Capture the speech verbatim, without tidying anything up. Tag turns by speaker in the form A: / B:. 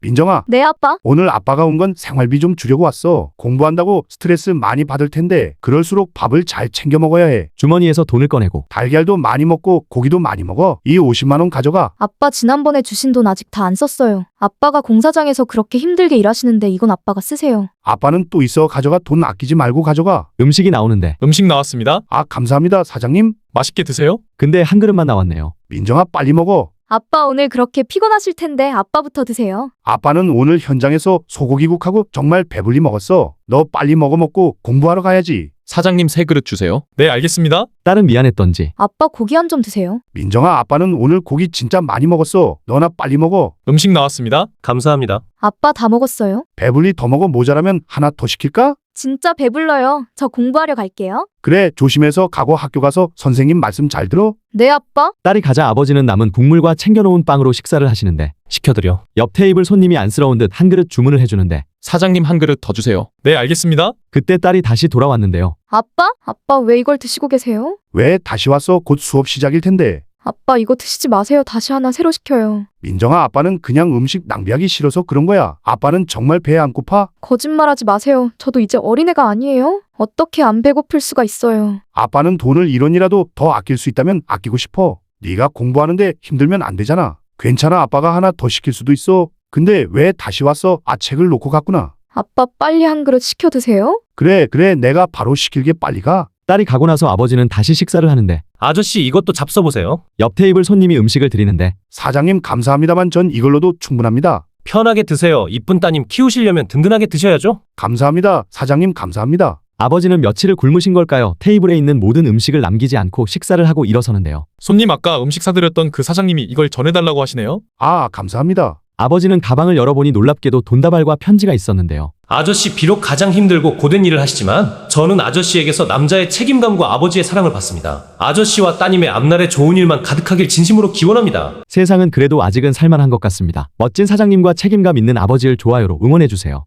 A: 민정아,
B: 네, 아빠.
A: 오늘 아빠가 온 건 생활비 좀 주려고 왔어. 공부한다고 스트레스 많이 받을 텐데 그럴수록 밥을 잘 챙겨 먹어야 해.
C: 주머니에서 돈을 꺼내고
A: 달걀도 많이 먹고 고기도 많이 먹어. 이 오십만 원 가져가.
B: 아빠 지난번에 주신 돈 아직 다 안 썼어요. 아빠가 공사장에서 그렇게 힘들게 일하시는데 이건 아빠가 쓰세요.
A: 아빠는 또 있어. 가져가. 돈 아끼지 말고 가져가.
C: 음식이 나오는데
D: 음식 나왔습니다.
A: 아, 감사합니다, 사장님.
D: 맛있게 드세요.
C: 근데 한 그릇만 나왔네요.
A: 민정아, 빨리 먹어.
B: 아빠 오늘 그렇게 피곤하실 텐데 아빠부터 드세요.
A: 아빠는 오늘 현장에서 소고기국하고 정말 배불리 먹었어. 너 빨리 먹어 먹고 공부하러 가야지.
D: 사장님 세 그릇 주세요. 네, 알겠습니다.
C: 딸은 미안했던지
B: 아빠 고기 한 점 드세요.
A: 민정아, 아빠는 오늘 고기 진짜 많이 먹었어. 너나 빨리 먹어.
D: 음식 나왔습니다.
E: 감사합니다.
B: 아빠 다 먹었어요?
A: 배불리 더 먹어. 모자라면 하나 더 시킬까?
B: 진짜 배불러요. 저 공부하려 갈게요.
A: 그래, 조심해서 가고 학교 가서 선생님 말씀 잘 들어.
B: 네, 아빠.
C: 딸이 가자 아버지는 남은 국물과 챙겨놓은 빵으로 식사를 하시는데
E: 시켜드려.
C: 옆 테이블 손님이 안쓰러운 듯 한 그릇 주문을 해주는데
D: 사장님 한 그릇 더 주세요. 네, 알겠습니다.
C: 그때 딸이 다시 돌아왔는데요.
B: 아빠? 아빠 왜 이걸 드시고 계세요?
A: 왜 다시 왔어? 곧 수업 시작일 텐데.
B: 아빠 이거 드시지 마세요. 다시 하나 새로 시켜요.
A: 민정아, 아빠는 그냥 음식 낭비하기 싫어서 그런 거야. 아빠는 정말 배 안 고파?
B: 거짓말하지 마세요. 저도 이제 어린애가 아니에요. 어떻게 안 배고플 수가 있어요.
A: 아빠는 돈을 일 원이라도 더 아낄 수 있다면 아끼고 싶어. 네가 공부하는데 힘들면 안 되잖아. 괜찮아, 아빠가 하나 더 시킬 수도 있어. 근데 왜 다시 왔어? 아, 책을 놓고 갔구나.
B: 아빠 빨리 한 그릇 시켜 드세요.
A: 그래, 그래, 내가 바로 시킬게. 빨리 가.
C: 딸이 가고 나서 아버지는 다시 식사를 하는데
E: 아저씨 이것도 잡숴보세요.
C: 옆 테이블 손님이 음식을 드리는데
A: 사장님 감사합니다만 전 이걸로도 충분합니다.
E: 편하게 드세요. 이쁜 따님 키우시려면 든든하게 드셔야죠.
A: 감사합니다. 사장님 감사합니다.
C: 아버지는 며칠을 굶으신 걸까요? 테이블에 있는 모든 음식을 남기지 않고 식사를 하고 일어서는데요.
D: 손님 아까 음식 사드렸던 그 사장님이 이걸 전해달라고 하시네요.
A: 아, 감사합니다.
C: 아버지는 가방을 열어보니 놀랍게도 돈다발과 편지가 있었는데요.
E: 아저씨 비록 가장 힘들고 고된 일을 하시지만 저는 아저씨에게서 남자의 책임감과 아버지의 사랑을 받습니다. 아저씨와 따님의 앞날에 좋은 일만 가득하길 진심으로 기원합니다.
C: 세상은 그래도 아직은 살만한 것 같습니다. 멋진 사장님과 책임감 있는 아버지를 좋아요로 응원해주세요.